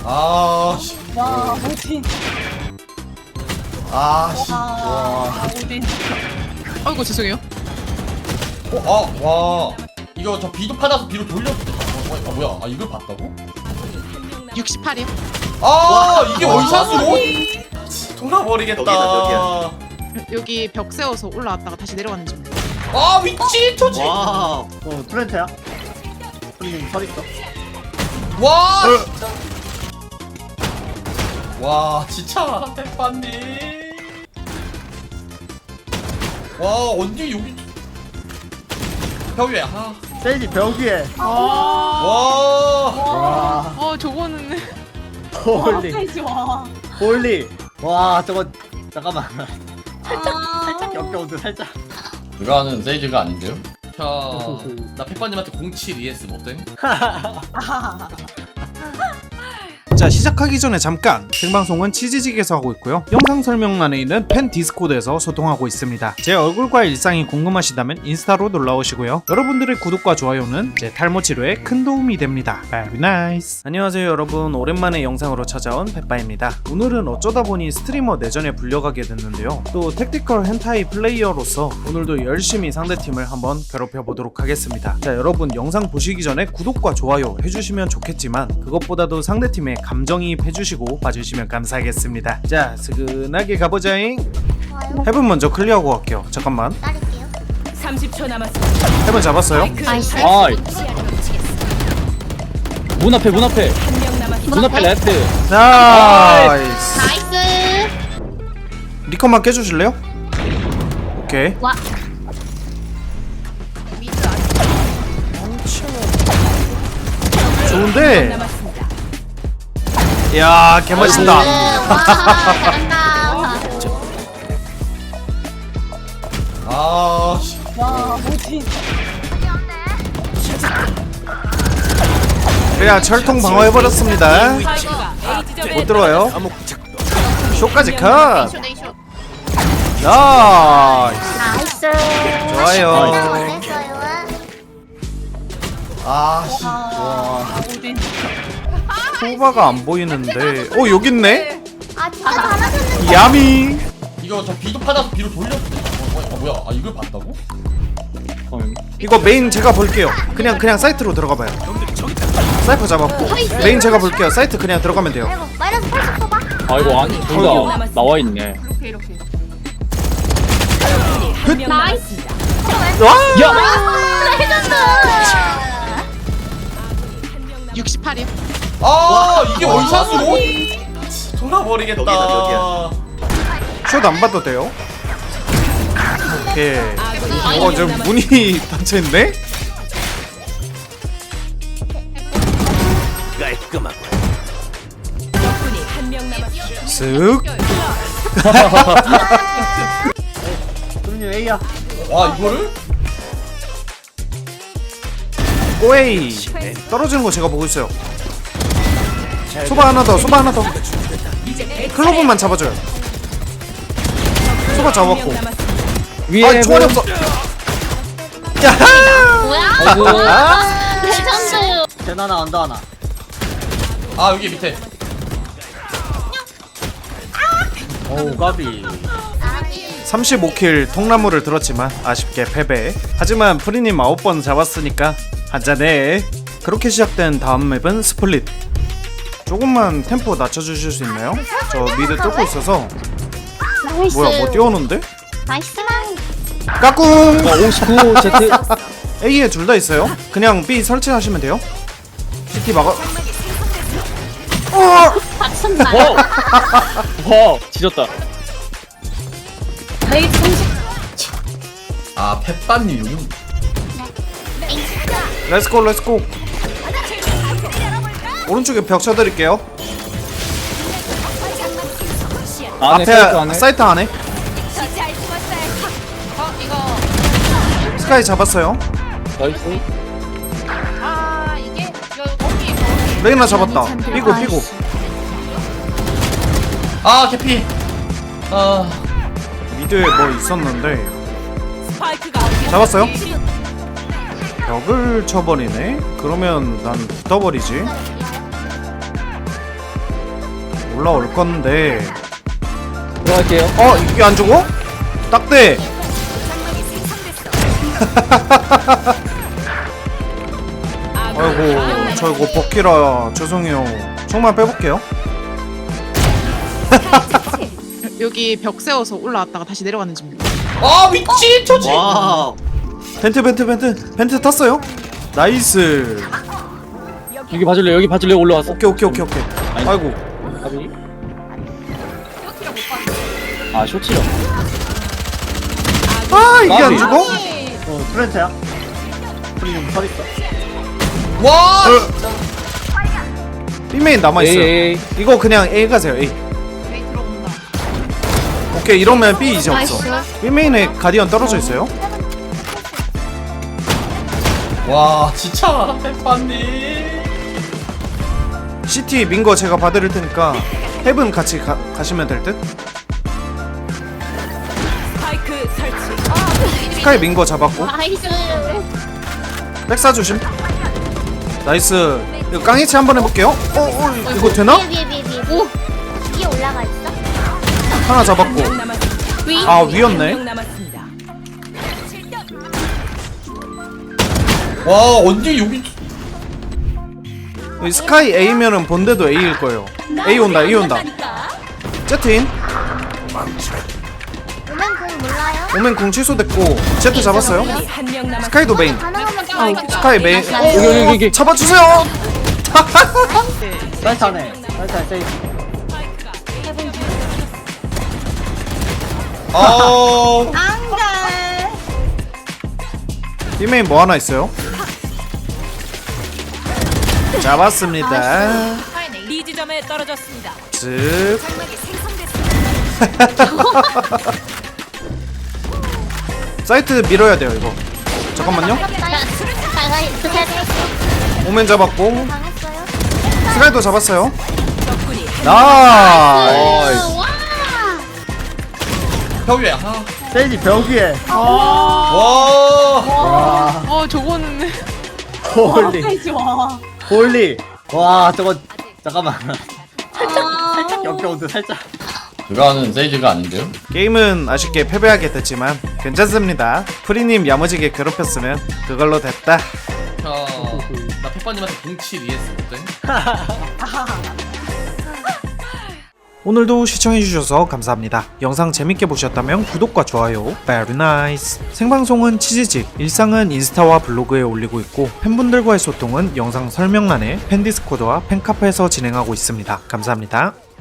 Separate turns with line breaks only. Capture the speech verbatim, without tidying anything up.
아, 씨.
와, 오딘.
아, 씨.
와, 오딘.
아이고 죄송해요.
어, 아, 와. 이거 저 비도 받아서 비로 돌렸어. 아, 뭐야? 아, 이걸 봤다고?
육십팔이요.
아, 이게
와.
원샷으로? 돌아버리겠다.
여기다,
여기 벽 세워서 올라왔다가 다시 내려가는 중.
아, 위치 초지. 와,
와, 어, 트렌트야? 손님 서 있어.
진짜. 와, 진짜 대파님. 와, 언니 여기 벽 위에. 아.
세이지 벽 위에.
와.
와.
와,
어 저거는
홀리,
세지 와.
홀리. 와, 저거 잠깐만. 살짝,
아.
살짝 역겨운데 살짝.
누가 하는 세이지가 아닌데요? 자, 나 페퍼님한테 공칠 이에스 어때?
아.
자, 시작하기 전에 잠깐 생방송은 치즈직에서 하고 있고요. 영상 설명란에 있는 팬 디스코드에서 소통하고 있습니다. 제 얼굴과 일상이 궁금하시다면 인스타로 놀러오시고요. 여러분들의 구독과 좋아요는 제 탈모 치료에 큰 도움이 됩니다. Very nice. 안녕하세요 여러분, 오랜만에 영상으로 찾아온 페빠입니다. 오늘은 어쩌다 보니 스트리머 내전에 불려가게 됐는데요. 또 택티컬 헨타이 플레이어로서 오늘도 열심히 상대팀을 한번 괴롭혀보도록 하겠습니다. 자, 여러분 영상 보시기 전에 구독과 좋아요 해주시면 좋겠지만 그것보다도 상대팀에 감정이입 해주시고 봐주시면 감사하겠습니다. 자, 스근하게 가보자잉.
좋아요.
헤븐 먼저 클리어하고 갈게요. 잠깐만.
따를게요.
삼십 초 남았습니다.
헤븐 잡았어요.
나이스.
아이 문 앞에 문 앞에
한 명 남았습니다.
문 앞에 레트.
나이스.
나이스.
리컷만 깨주실래요? 오케이.
와.
좋은데.
남았습니다.
이야, 개맛있다.
와, 잘한다.
아, 씨.
와, 오딘.
그래야 철통 방어해버렸습니다.
스파이크가 A 지점에
못 들어와요. 쇼까지 컷.
쇼데이쇼.
나이스.
나이스.
좋아요.
어땠어요?
아, 씨.
아, 오딘.
소바가 안 보이는데. 오, 여기 있네.
아, 진짜 잘하셨는데.
야미.
이거 저 비도 받아서 비로 돌렸어. 아, 뭐야? 아, 이걸 봤다고?
이거 메인 제가 볼게요. 그냥 그냥 사이트로 들어가봐요. 사이퍼 잡았고 메인 제가 볼게요. 사이트 그냥 들어가면 돼요.
아이고, 마이너스 팔십 써봐.
아이고 아니 둘다 나와 있네.
이렇게 이렇게.
한 명
나이스.
남았습니다.
와!
아, 레전드.
육십팔이요.
아, 이게 원샷으로? 돌아버리겠다.
여기다, 여기야.
슛 안 봐도 돼요. 오케이. 어, 지금 문이 닫혀있네?
적군이 한 명 남았습니다.
쓱.
손님 A야.
와, 이거를?
오에이. 떨어지는 거 제가 보고 있어요. 소바 하나 더, 소바 하나 더. 클로브만 잡아줘요. 소바 잡았고.
한 명 남았습니다.
위에
아, 총알이 없어. 야하!
뭐야?
아이고.
아, 레전드.
젠 하나 언더 하나.
아, 여기 밑에.
어우 까비.
삼십오 킬 통나무를 들었지만 아쉽게 패배. 하지만 프리님 아홉 번 잡았으니까 한잔해. 그렇게 시작된 다음 맵은 스플릿. 조금만 템포 낮춰주실 수 있나요? 저 미드 뚫고 있어서.
나이스.
뭐야, 뭐 뛰어오는데?
나이스.
까꿍!
어, 오십구 제트.
A에 둘 다 있어요. 그냥 B 설치하시면 돼요. 씨티 막아. 어!
박선다.
어. 와 지졌다.
레이 삼십.
아, 페빠님 여기.
렛츠고 렛츠고. 오른쪽에 벽 쳐드릴게요.
안에
앞에
사이트 안에.
사이트 안에
어 이거.
스카이 잡았어요.
나이스.
아 이게 여기 여기.
레이나 잡았다. 삐고 삐고.
아, 개피. 아,
미드에 뭐 있었는데
스파이크가
잡았어요? 벽을 쳐버리네. 그러면 난 붙어버리지. 올라올 건데.
들어갈게요.
어 이게 안 죽어? 딱대. 아이고 저 이거 버키라 죄송해요. 정말 빼볼게요.
여기 벽 세워서 올라왔다가 다시 내려가는 집입니다.
아 미친 초지.
와.
벤트 벤트 벤트 벤트 탔어요. 나이스.
여기 봐줄래? 여기 봐줄래? 올라왔어.
오케이 오케이 오케이 오케이. 아이고.
가비. 아 쇼치요.
아 이게 안
까비.
죽어?
어, 트렌트야. 손님 서 있어.
와.
B메인 남아있어요.
에이.
이거 그냥 A 가세요 A.
네, 들어온다.
오케이 이러면 B 이제
나이스.
없어. B메인에 가디언 떨어져 있어요.
와 진짜 페파님.
시티 민거 제가 봐드릴 테니까 헤븐 같이 가, 가시면 될 듯.
스파이크 설치.
스카이 민거 잡았고
나이스.
백사 조심. 나이스. 이거 깡이치 한번 해볼게요. 어, 어 이거 되나?
위에 위에 위에 위에. 오. 위에 올라가 있어?
하나 잡았고.
명 남았습니다.
위?
아 위였네.
명 남았습니다.
와 언제 여기.
이 스카이 A면은 본대도 A일 거예요. A 온다 A 온다. 제트인.
오면 공 몰라요?
오멘 궁 취소됐고 제트 잡았어요.
한명 남았습니다.
스카이도 메인.
가능하면 좀
스카이 메인.
나이스.
오,
여기, 여기, 여기.
잡아주세요.
사이트 안에. 사이트 안에 세이프.
아.
안돼.
B메인 뭐 하나 있어요? 잡았습니다.
B 지점에 떨어졌습니다.
즉 사이트 밀어야 돼요 이거. 잠깐만요.
나가 있어.
오멘 잡았고
당했어요.
스카이도 잡았어요.
적군이
나이스.
와.
벽 위에. 아.
세이지 벽 위에.
와.
와.
어 저거는
홀리.
페이지 와.
홀리. 와, 저거 잠깐만.
아.
살짝 역겨운데 살짝.
누가 하는 세이지가 아닌데요?
게임은 아쉽게 패배하게 됐지만 괜찮습니다. 프리님 야무지게 괴롭혔으면 그걸로 됐다.
나 페파님한테 공칠 이했을 때.
오늘도 시청해주셔서 감사합니다. 영상 재밌게 보셨다면 구독과 좋아요, very nice. 생방송은 치즈직, 일상은 인스타와 블로그에 올리고 있고 팬분들과의 소통은 영상 설명란에 팬디스코드와 팬카페에서 진행하고 있습니다. 감사합니다.